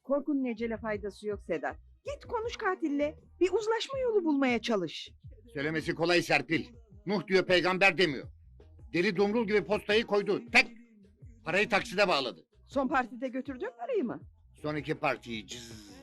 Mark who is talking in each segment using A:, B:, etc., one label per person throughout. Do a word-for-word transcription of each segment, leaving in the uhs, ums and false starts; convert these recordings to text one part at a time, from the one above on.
A: Korkunun ecele faydası yok Sedat. Git konuş katille. Bir uzlaşma yolu bulmaya çalış.
B: Söylemesi kolay Serpil. Nuh diyor peygamber demiyor. Deli dumrul gibi postayı koydu. Tek. Parayı takside bağladı.
A: Son partide götürdün parayı mı?
B: Son iki partiyi cız.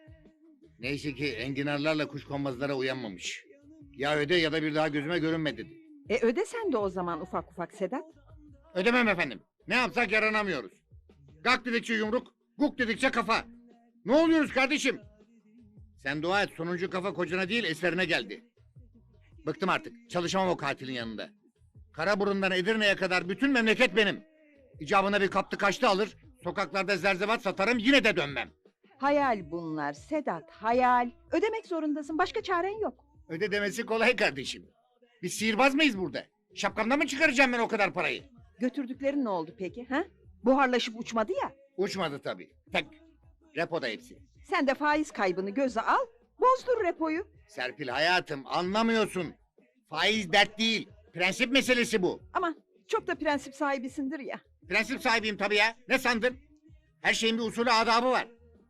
B: Neyse ki enginarlarla kuşkonmazlara uyanmamış. Ya öde ya da bir daha gözüme görünme dedi.
A: E öde sen de o zaman ufak ufak Sedat.
B: Ödemem efendim. Ne yapsak yaranamıyoruz. Gak dedikçe yumruk, guk dedikçe kafa. Ne oluyoruz kardeşim? Sen dua et sonuncu kafa kocana değil eserine geldi. Bıktım artık. Çalışamam o katilin yanında. Karaburun'dan Edirne'ye kadar bütün memleket benim. İcabına bir kaptı kaçtı alır. Sokaklarda zerzevat satarım yine de dönmem.
A: Hayal bunlar Sedat, hayal. Ödemek zorundasın, başka çaren yok.
B: Öde demesi kolay kardeşim. Biz sihirbaz mıyız burada? Şapkamda mı çıkaracağım ben o kadar parayı?
A: Götürdüklerin ne oldu peki? Ha? Buharlaşıp uçmadı ya.
B: Uçmadı tabii. Tek. Repoda hepsi.
A: Sen de faiz kaybını göze al, bozdur repoyu.
B: Serpil hayatım anlamıyorsun. Faiz dert değil. Prensip meselesi bu.
A: Aman çok da prensip sahibisindir ya.
B: Prensip sahibiyim tabii ya. Ne sandın? Her şeyin bir usulü adabı var.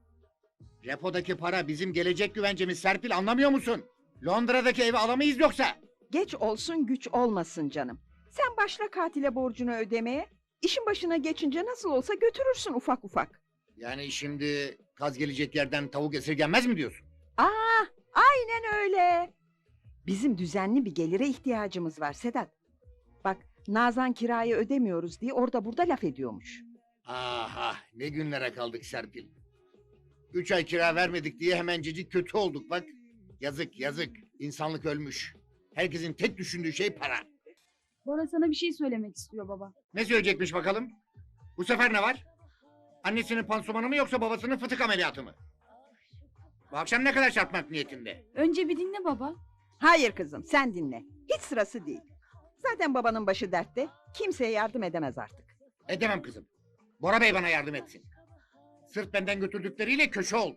B: Repodaki para bizim gelecek güvencemiz Serpil anlamıyor musun? Londra'daki evi alamayız yoksa.
A: Geç olsun güç olmasın canım. Sen başla katile borcunu ödemeye. İşin başına geçince nasıl olsa götürürsün ufak ufak.
B: Yani şimdi kaz gelecek yerden tavuk esirgenmez mi diyorsun?
A: Aa, aynen öyle. Bizim düzenli bir gelire ihtiyacımız var Sedat. Bak Nazan kirayı ödemiyoruz diye orada burada laf ediyormuş.
B: Aha ne günlere kaldık Serpil. Üç ay kira vermedik diye hemencecik kötü olduk bak. Yazık yazık. İnsanlık ölmüş. Herkesin tek düşündüğü şey para.
C: Bora sana bir şey söylemek istiyor baba.
B: Ne söyleyecekmiş bakalım? Bu sefer ne var? Annesinin pansumanı mı yoksa babasının fıtık ameliyatı mı? Bu akşam ne kadar çarpmak niyetinde?
C: Önce bir dinle baba.
A: Hayır kızım sen dinle. Hiç sırası değil. Zaten babanın başı dertte. Kimseye yardım edemez artık.
B: Edemem kızım. Bora Bey bana yardım etsin. Sırf benden götürdükleriyle köşe oldu.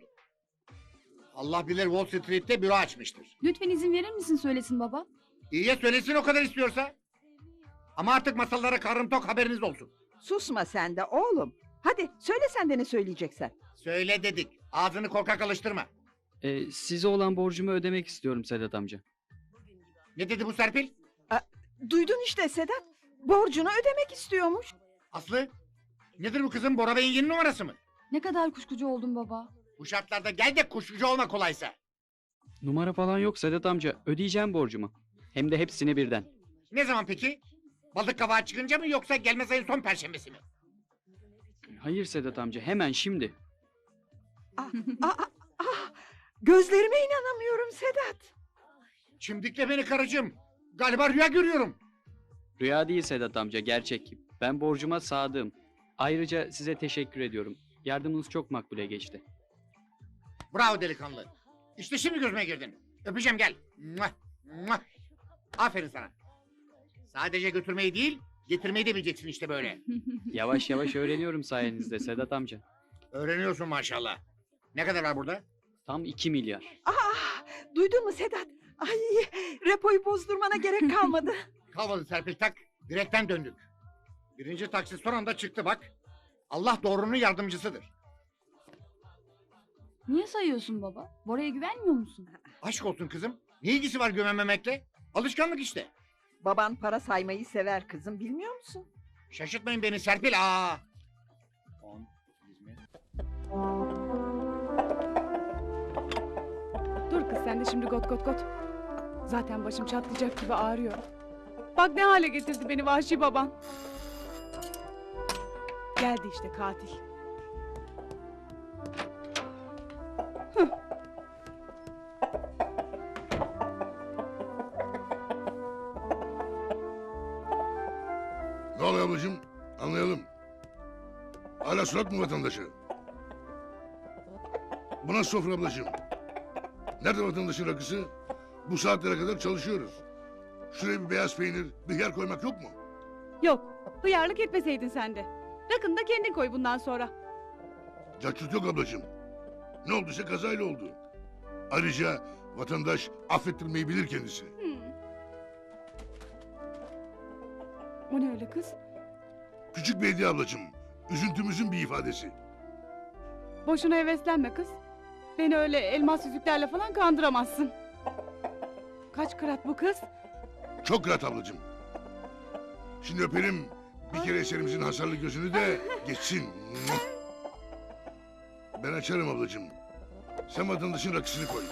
B: Allah bilir Wall Street'te büro açmıştır.
C: Lütfen izin verir misin söylesin baba?
B: İyiye söylesin o kadar istiyorsa. Ama artık masallara karnım tok haberiniz olsun.
A: Susma sen de oğlum. Hadi söyle sen de ne söyleyeceksen.
B: Söyle dedik. Ağzını korkak alıştırma.
D: Ee, size olan borcumu ödemek istiyorum Sedat amca.
B: Ne dedi bu Serpil?
A: Duydun işte Sedat. Borcunu ödemek istiyormuş.
B: Aslı? Nedir bu kızın Bora Bey'in yeni numarası mı?
C: Ne kadar kuşkucu oldun baba.
B: Bu şartlarda gel de kuşkucu olma kolaysa.
D: Numara falan yok Sedat amca. Ödeyeceğim borcumu. Hem de hepsini birden.
B: Ne zaman peki? Balık kavağı çıkınca mı yoksa gelmez ayın son perşembesi mi?
D: Hayır Sedat amca hemen şimdi.
A: Ah, ah, ah, ah. Gözlerime inanamıyorum Sedat.
B: Çimdikle beni karıcığım. Galiba rüya görüyorum.
D: Rüya değil Sedat amca gerçek. Ben borcuma sadığım. Ayrıca size teşekkür ediyorum. Yardımınız çok makbule geçti.
B: Bravo delikanlı. İşte şimdi gözüme girdin. Öpeceğim gel. Muah, muah. Aferin sana. Sadece götürmeyi değil, getirmeyi de bileceksin işte böyle.
D: Yavaş yavaş öğreniyorum sayenizde Sedat amca.
B: Öğreniyorsun maşallah. Ne kadar var burada?
D: Tam iki milyar.
A: Ah, duydun mu Sedat? Ay, repoyu bozdurmana gerek kalmadı.
B: Kalmadı Serpil tak. Direkten döndük. Birinci taksi son anda çıktı bak. Allah doğrunun yardımcısıdır.
C: Niye sayıyorsun baba? Bora'ya güvenmiyor musun?
B: Aşk olsun kızım. Ne ilgisi var güvenmemekle? Alışkanlık işte.
A: Baban para saymayı sever kızım bilmiyor musun?
B: Şaşırtmayın beni Serpil. Aa. On, yirmi.
E: Dur kız sen de şimdi got got got. Zaten başım çatlayacak gibi ağrıyor. Bak ne hale getirdi beni vahşi baban. Geldi işte katil.
F: Ne oluyor ablacığım? Anlayalım. Hala surat mı vatandaşı? Bu nasıl sofra ablacığım? Nerede vatandaşın rakısı? Bu saatlere kadar çalışıyoruz. Şuraya bir beyaz peynir, bir yer koymak yok mu?
E: Yok hıyarlık etmeseydin sen de. Rakını da kendin koy bundan sonra.
F: Cacık yok ablacığım. Ne olduysa kazayla oldu. Ayrıca vatandaş affettirmeyi bilir kendisi.
E: Hmm. O ne öyle kız?
F: Küçük bir hediye ablacığım. Üzüntümüzün bir ifadesi.
E: Boşuna heveslenme kız. Beni öyle elmas yüzüklerle falan kandıramazsın. Kaç kırat bu kız?
F: Çok rahat ablacığım. Şimdi öpelim bir kere eserimizin hasarlı gözünü de geçsin. Ben açarım ablacığım. Sen vatandaşın rakısını koy.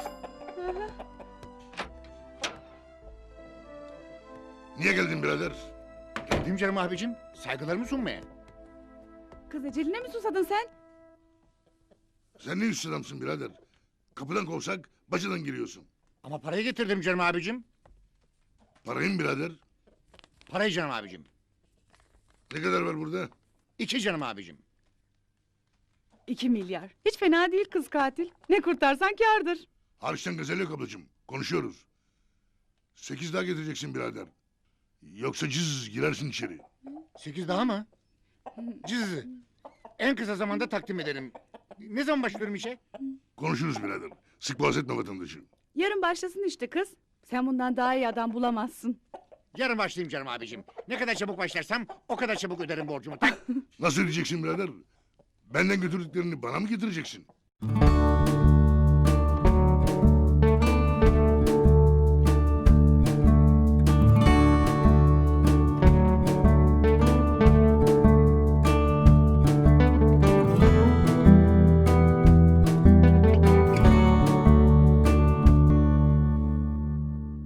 F: Niye geldin birader?
B: Geldim canım abicim. Saygılarımı sunmaya.
E: Kız eceline mi susadın sen?
F: Sen ne yüzsüz adamsın birader? Kapıdan kovsak bacadan giriyorsun.
B: Ama parayı getirdim canım abicim.
F: Parayı mı birader?
B: Parayı canım abicim.
F: Ne kadar var burada?
B: İki canım abicim.
E: İki milyar. Hiç fena değil kız katil. Ne kurtarsan kârdır.
F: Hariçten gazel yok ablacığım. Konuşuyoruz. Sekiz daha getireceksin birader. Yoksa cız girersin içeri.
B: Sekiz daha mı? Cızı. En kısa zamanda takdim ederim. Ne zaman başlıyorum işe?
F: Konuşuruz birader. Sık boğaz etme vatandaşı.
E: Yarın başlasın işte kız. Sen bundan daha iyi adam bulamazsın.
B: Yarın başlayayım canım abicim. Ne kadar çabuk başlarsam o kadar çabuk öderim borcumu. Tak.
F: Nasıl ödeyeceksin birader? Benden götürdüklerini bana mı getireceksin?